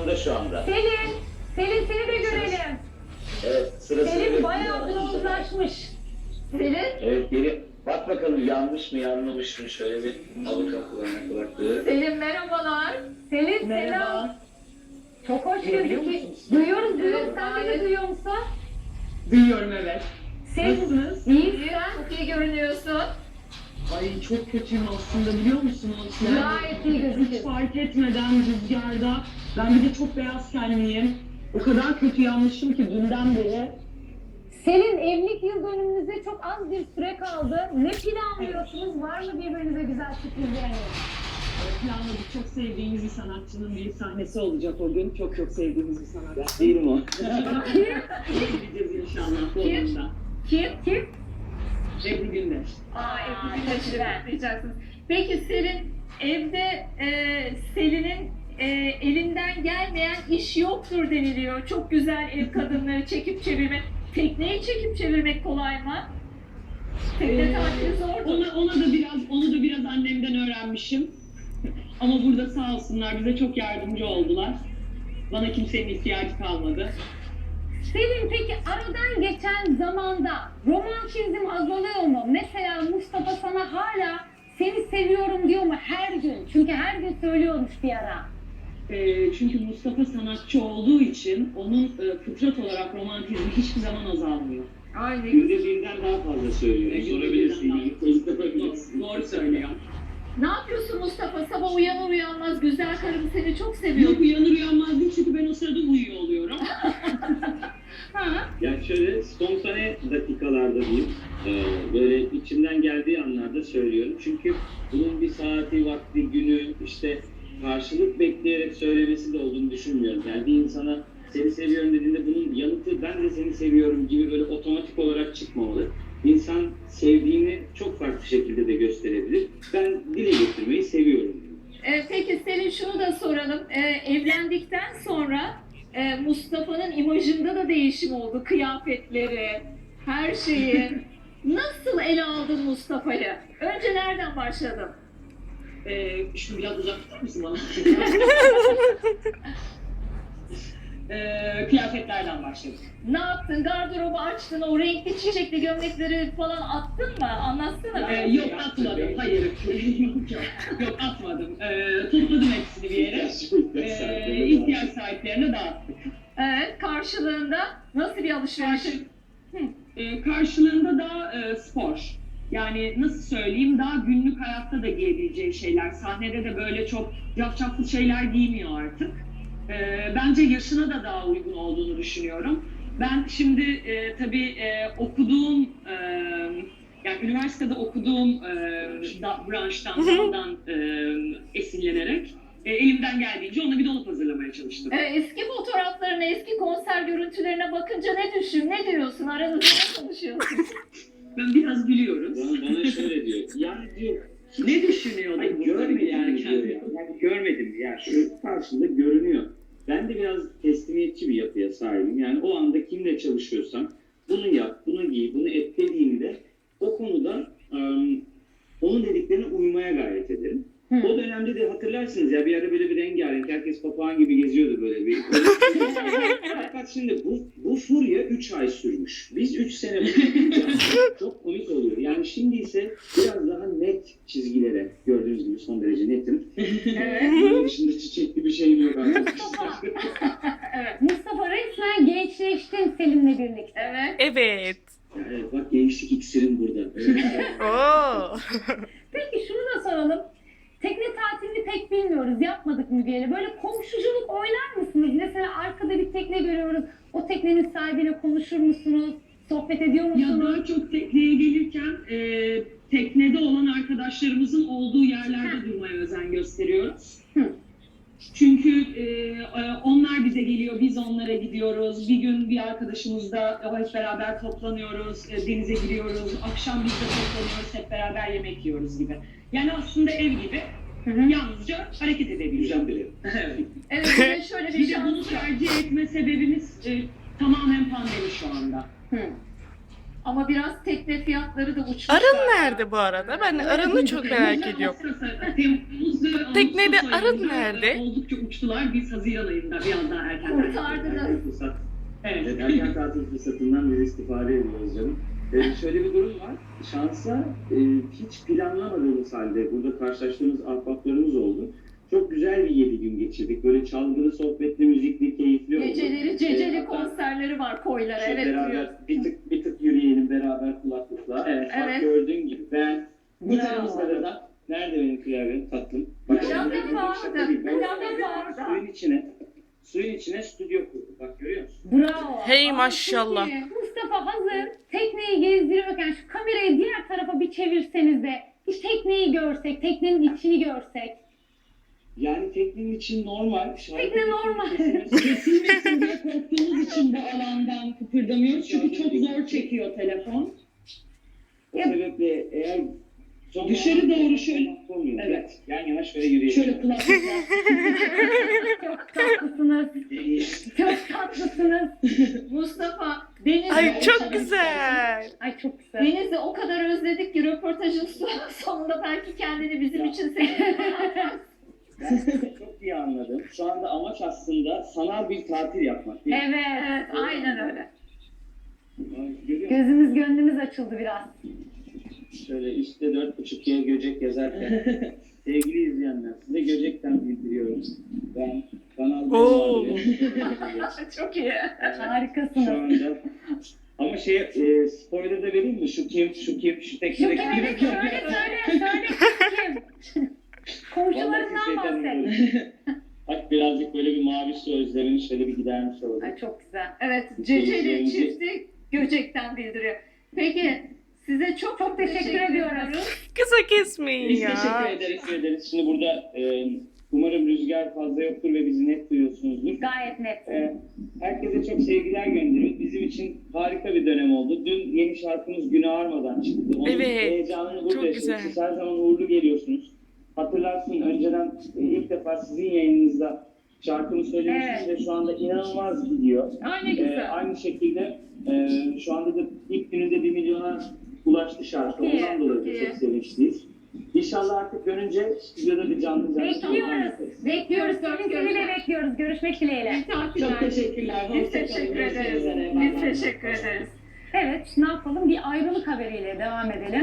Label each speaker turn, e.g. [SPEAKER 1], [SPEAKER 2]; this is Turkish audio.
[SPEAKER 1] orada şu anda.
[SPEAKER 2] Selin, Selin seni de görelim.
[SPEAKER 1] Evet, sırası.
[SPEAKER 2] Selin bayağı bronzlaşmış. Selin,
[SPEAKER 1] Evet, geri bak bakalım yanlış mı yanlış mı, şöyle bir al bakalım kulaklığı.
[SPEAKER 2] Selin merhabalar. Selin selam.
[SPEAKER 3] Merhaba.
[SPEAKER 2] Çok hoş
[SPEAKER 3] Duyabiliyor
[SPEAKER 2] gözüküyor.
[SPEAKER 3] musunuz?
[SPEAKER 2] Duyuyoruz.
[SPEAKER 3] Evet,
[SPEAKER 2] Sen
[SPEAKER 3] gayet.
[SPEAKER 2] beni duyuyor musun?
[SPEAKER 3] Duyuyorum, evet.
[SPEAKER 2] Selin,
[SPEAKER 3] Nasılsınız?
[SPEAKER 2] İyi sen. Çok iyi görünüyorsun.
[SPEAKER 3] Ay çok kötüyüm aslında, biliyor musunuz?
[SPEAKER 2] Gayet iyi
[SPEAKER 3] Hiç
[SPEAKER 2] gözüküyorsun.
[SPEAKER 3] fark etmeden rüzgarda, ben bir de çok beyaz tenliyim. O kadar kötü yanmışım ki dünden beri.
[SPEAKER 2] Selin, evlilik yıl dönümünüze çok az bir süre kaldı. Ne planlıyorsunuz? Var mı birbirinize güzel sürprizleriniz?
[SPEAKER 3] Planladık, çok sevdiğimiz bir sanatçının bir sahnesi olacak o gün. Çok çok sevdiğimiz bir sanatçı.
[SPEAKER 1] Değilim o.
[SPEAKER 3] Gideceğiz inşallah bu
[SPEAKER 2] Kim?
[SPEAKER 3] oyunda.
[SPEAKER 2] Kim?
[SPEAKER 3] Ebru Gündeş.
[SPEAKER 2] Teşekkür ederim. Peki Selin, evde Selin'in elinden gelmeyen iş yoktur deniliyor. Çok güzel ev kadınları çekip çevirmek. Tekneyi çekip çevirmek kolay mı? Tekne tatili zordur.
[SPEAKER 3] Onu da biraz annemden öğrenmişim. Ama burada sağ olsunlar bize çok yardımcı oldular. Bana kimsenin ihtiyacı kalmadı.
[SPEAKER 2] Selin, peki aradan geçen zamanda romantizm azalıyor mu? Mesela Mustafa sana hala seni seviyorum diyor mu her gün? Çünkü her gün söylüyormuş bir ara.
[SPEAKER 3] Çünkü Mustafa sanatçı olduğu için onun fıtrat olarak romantizmi hiçbir zaman azalmıyor.
[SPEAKER 2] Aynen.
[SPEAKER 1] Günde birden daha fazla söylüyorum. Sorabilirsin.
[SPEAKER 3] Doğru söylüyor.
[SPEAKER 2] Ne yapıyorsun Mustafa? Sabah uyanır uyanmaz güzel karım seni çok seviyor.
[SPEAKER 3] Yok, uyanır uyanmaz değil çünkü ben o sırada uyuyor oluyorum.
[SPEAKER 1] Yani şöyle spontane dakikalarda diyeyim, böyle içimden geldiği anlarda söylüyorum. Çünkü bunun bir saati, vakti, günü, işte karşılık bekleyerek söylemesi de olduğunu düşünmüyorum. Yani bir insana seni seviyorum dediğinde bunun yanıtı ben de seni seviyorum gibi böyle otomatik olarak çıkmamalı. İnsan sevdiğini çok farklı şekilde de gösterebilir. Ben dile getirmeyi seviyorum.
[SPEAKER 4] Peki Selin, şunu da soralım. Evlendikten sonra Mustafa'nın imajında da değişim oldu. Kıyafetleri, her şeyi. Nasıl ele aldın Mustafa'yı? Önce nereden başladın?
[SPEAKER 3] Şunu biraz uzak tutar mısın bana? Kıyafetlerden başladık.
[SPEAKER 4] Ne yaptın? Gardırobu açtın, o renkli çiçekli gömlekleri falan attın mı? Anlatsana.
[SPEAKER 3] Yok atmadım, hayır. Yok atmadım. Topladım hepsini bir yere. İhtiyaç sahiplerine dağıttık.
[SPEAKER 4] Evet, karşılığında nasıl bir alışveriş?
[SPEAKER 3] Karşılığında da spor. Yani nasıl söyleyeyim, daha günlük hayatta da giyebileceği şeyler. Sahnede de böyle çok cafcaflı şeyler giymiyor artık. Bence yaşına da daha uygun olduğunu düşünüyorum. Ben şimdi tabii okuduğum, yani üniversitede okuduğum branştan, daldan esinlenerek elimden geldiğince ona bir dolap hazırlamaya çalıştım.
[SPEAKER 4] Eski fotoğraflarına, eski konser görüntülerine bakınca ne diyorsun? Aranızda ne konuşuyorsun?
[SPEAKER 3] Ben biraz gülüyoruz.
[SPEAKER 1] Bana şöyle diyor, yani diyor,
[SPEAKER 3] Ne düşünüyordun?
[SPEAKER 1] hayır, görmedim yani diyor ya. Yani görmedim ya, şu karşında görünüyor. Ben de biraz teslimiyetçi bir yapıya sahibim. Yani o anda kimle çalışıyorsam bunu yap, bunu giy, bunu et dediğimde o konuda onun dediklerine uymaya gayret ederim. O dönemde de hatırlarsınız ya, bir ara böyle bir rengarenk, herkes papağan gibi geziyordu böyle bir. Fakat şimdi bu furya 3 ay sürmüş. Biz 3 sene çok komik oluyor. Yani şimdi ise biraz daha net çizgilere, gördüğünüz gibi son derece netim. Bunun dışında çiçekli bir şeyim yok arkadaşlar.
[SPEAKER 2] Mustafa resmen gençleştin Selin'le birlikte.
[SPEAKER 4] Evet.
[SPEAKER 5] Evet.
[SPEAKER 1] Evet, bak gençlik iksirim burada.
[SPEAKER 5] Oo.
[SPEAKER 2] Peki şunu da soralım. Tekne tatilini pek bilmiyoruz, yapmadık Müge'yle. Böyle komşuculuk oynar mısınız? Mesela arkada bir tekne görüyoruz. O teknenin sahibiyle konuşur musunuz? Sohbet ediyor
[SPEAKER 3] Ya
[SPEAKER 2] musunuz?
[SPEAKER 3] daha çok tekneye gelirken teknede olan arkadaşlarımızın olduğu yerlerde durmaya özen gösteriyoruz. Çünkü onlar bize geliyor, biz onlara gidiyoruz. Bir gün bir arkadaşımızla hep beraber toplanıyoruz, denize giriyoruz. Akşam biz de toplanıyoruz, hep beraber yemek yiyoruz gibi. Yani aslında ev gibi. Yalnızca hareket edebiliyoruz.
[SPEAKER 1] Güzel biri.
[SPEAKER 4] Evet, bir de şöyle bir
[SPEAKER 3] Bir de bunu
[SPEAKER 4] şans var.
[SPEAKER 3] tercih etme sebebimiz tamamen pandemi şu anda.
[SPEAKER 2] Ama biraz tekne fiyatları da uçmuş.
[SPEAKER 5] Arın
[SPEAKER 2] galiba.
[SPEAKER 5] nerede bu arada? Ben Arın'ı çok merak ediyorum. Teknede arın nerede?
[SPEAKER 3] Oldukça uçtular. Biz Haziran ayında biraz daha erken.
[SPEAKER 2] Kurtardınız.
[SPEAKER 1] Fırsat.
[SPEAKER 3] Evet.
[SPEAKER 1] Erken tatil fırsatından biz istifade ediyoruz canım. Şöyle bir durum var. Şansa hiç planlamadığımız halde burada karşılaştığımız ahbaplarımız oldu. Çok güzel bir 7 gün geçirdik. Böyle çalgılı, sohbetli, müzikli, keyifli oldu.
[SPEAKER 2] Geceleri, ceceli
[SPEAKER 1] Hatta
[SPEAKER 2] konserleri var koylara.
[SPEAKER 1] şöyle
[SPEAKER 2] Evet
[SPEAKER 1] beraber
[SPEAKER 2] diyor.
[SPEAKER 1] bir tık yürüyelim beraber kulaklıkla. Evet. Bak
[SPEAKER 2] Evet.
[SPEAKER 1] gördüğün gibi ben bu
[SPEAKER 3] Bravo.
[SPEAKER 1] taraflarda da nerede benim klavyenim tatlım?
[SPEAKER 2] Klavye
[SPEAKER 1] şimdi
[SPEAKER 2] vardı,
[SPEAKER 1] şaka değil. Ben
[SPEAKER 2] klavye vardı.
[SPEAKER 1] Suyun içine stüdyo kurduk. Bak görüyor musun?
[SPEAKER 4] Bravo.
[SPEAKER 5] Hey maşallah.
[SPEAKER 4] Peki, Mustafa hazır tekneyi gezdiriyorken şu kamerayı diğer tarafa bir çevirseniz de bir tekneyi görsek, teknenin içini görsek.
[SPEAKER 1] Yani teknenin için normal.
[SPEAKER 4] Tekne normal.
[SPEAKER 3] Kesilmesin diye korktuğumuz için bu alandan kıpırdamıyoruz. Çünkü çok zor çekiyor telefon.
[SPEAKER 1] O sebeple eğer
[SPEAKER 3] Dışarı doğru şöyle-
[SPEAKER 1] olmuyor.
[SPEAKER 3] Evet.
[SPEAKER 1] Yan yana şöyle yürüyelim.
[SPEAKER 3] Şöyle kulaklıkla.
[SPEAKER 4] Çok tatlısınız. Çok tatlısınız.
[SPEAKER 2] Mustafa, Deniz'i
[SPEAKER 5] Ay çok güzel.
[SPEAKER 4] Ay çok güzel.
[SPEAKER 2] Deniz'i o kadar özledik ki röportajın sonunda belki kendini bizim için seviyor.
[SPEAKER 1] Ben çok iyi anladım. Şu anda amaç aslında sanal bir tatil yapmak. Değil mi?
[SPEAKER 4] Evet.
[SPEAKER 2] Evet, aynen öyle.
[SPEAKER 1] Görüyor musun?
[SPEAKER 4] Gözümüz gönlümüz açıldı biraz.
[SPEAKER 1] Şöyle işte 4,5G Göcek yazarken sevgili izleyenler size Göcek'ten bildiriyorum. Ben kanal
[SPEAKER 5] Oo.
[SPEAKER 2] Çok iyi.
[SPEAKER 1] Şu
[SPEAKER 4] Harikasınız.
[SPEAKER 1] anda ama spoiler da vereyim mi? Şu kim, şu
[SPEAKER 4] Şu
[SPEAKER 1] teknede
[SPEAKER 4] kim?
[SPEAKER 1] kim?
[SPEAKER 4] Söyle kim? Komşularından bahset.
[SPEAKER 1] Bak birazcık böyle bir mavi su özlemini şöyle bir gidermiş olalım.
[SPEAKER 4] Ay çok güzel.
[SPEAKER 2] Evet, Ceceli çifti Göcek'ten bildiriyor. Peki, size çok
[SPEAKER 4] teşekkür ediyoruz.
[SPEAKER 5] Kısa kesmeyin
[SPEAKER 1] Biz
[SPEAKER 5] ya.
[SPEAKER 1] teşekkür ederiz. Şimdi burada umarım rüzgar fazla yoktur ve bizi net duyuyorsunuzdur.
[SPEAKER 4] Gayet net.
[SPEAKER 1] Herkese çok sevgiler gönderiyoruz. Bizim için harika bir dönem oldu. Dün yeni şarkımız Güne Ağarmadan çıktı. Onun
[SPEAKER 5] Evet,
[SPEAKER 1] heyecanını burada
[SPEAKER 5] çok
[SPEAKER 1] yaşadık.
[SPEAKER 5] güzel.
[SPEAKER 1] Siz her zaman uğurlu geliyorsunuz. Hatırlarsın önceden ilk defa sizin yayınınızda şarkımı söylemiştim ve şu anda inanılmaz gidiyor.
[SPEAKER 2] Ay ne güzel.
[SPEAKER 1] Aynı şekilde şu anda da ilk gününde 1 milyona ulaştı şarkı.
[SPEAKER 2] Çok iyi,
[SPEAKER 1] Ondan dolayı da
[SPEAKER 2] çok iyi.
[SPEAKER 1] çok sevinçliyiz. İnşallah artık dönünce stüdyoda bir canlı
[SPEAKER 4] Bekliyoruz. Bekliyoruz. Seni de bekliyoruz. Görüşmek dileğiyle.
[SPEAKER 3] Çok teşekkürler.
[SPEAKER 2] Biz
[SPEAKER 3] Hoşça kalın.
[SPEAKER 2] teşekkür
[SPEAKER 3] Görüşmek
[SPEAKER 2] ederiz.
[SPEAKER 3] üzere.
[SPEAKER 2] Biz teşekkür ederiz.
[SPEAKER 4] Evet, ne yapalım? Bir ayrılık haberiyle devam edelim.